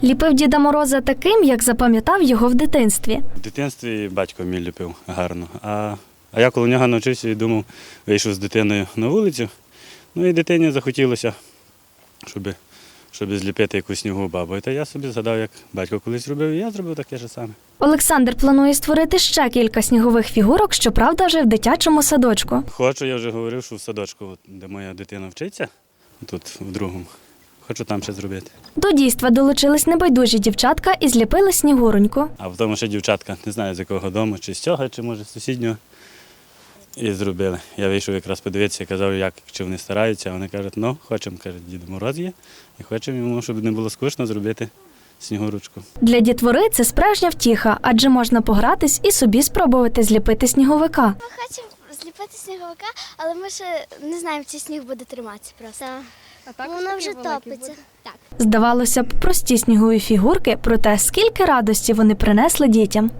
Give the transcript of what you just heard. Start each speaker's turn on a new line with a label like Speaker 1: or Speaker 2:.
Speaker 1: Ліпив Діда Мороза таким, як запам'ятав його в дитинстві.
Speaker 2: В дитинстві батько мій ліпив гарно, а я коло нього навчився і думав, вийшов з дитиною на вулицю. Ну і дитині захотілося, щоб зліпити якусь снігову бабу. Та я собі згадав, як батько колись робив, і я зробив таке ж саме.
Speaker 1: Олександр планує створити ще кілька снігових фігурок, щоправда, вже в дитячому садочку.
Speaker 2: Хочу, я вже говорив, що в садочку, де моя дитина вчиться, тут в другому, хочу там ще зробити.
Speaker 1: До дійства долучились небайдужі дівчатка і зліпили снігуроньку.
Speaker 2: А в тому ще дівчатка, не знаю з якого дому, чи з цього, чи може з сусіднього. І зробили. Я вийшов якраз подивитися, казав, чи вони стараються. А вони кажуть, ну, хочемо, каже, Дід Мороз є, і хочемо йому, щоб не було скучно, зробити снігурочку.
Speaker 1: Для дітвори це справжня втіха, адже можна погратись і собі спробувати зліпити сніговика.
Speaker 3: Ми хочемо зліпити сніговика, але ми ще не знаємо, чи сніг буде триматися просто. Воно вже топиться. Так.
Speaker 1: Здавалося б, прості снігові фігурки, проте скільки радості вони принесли дітям.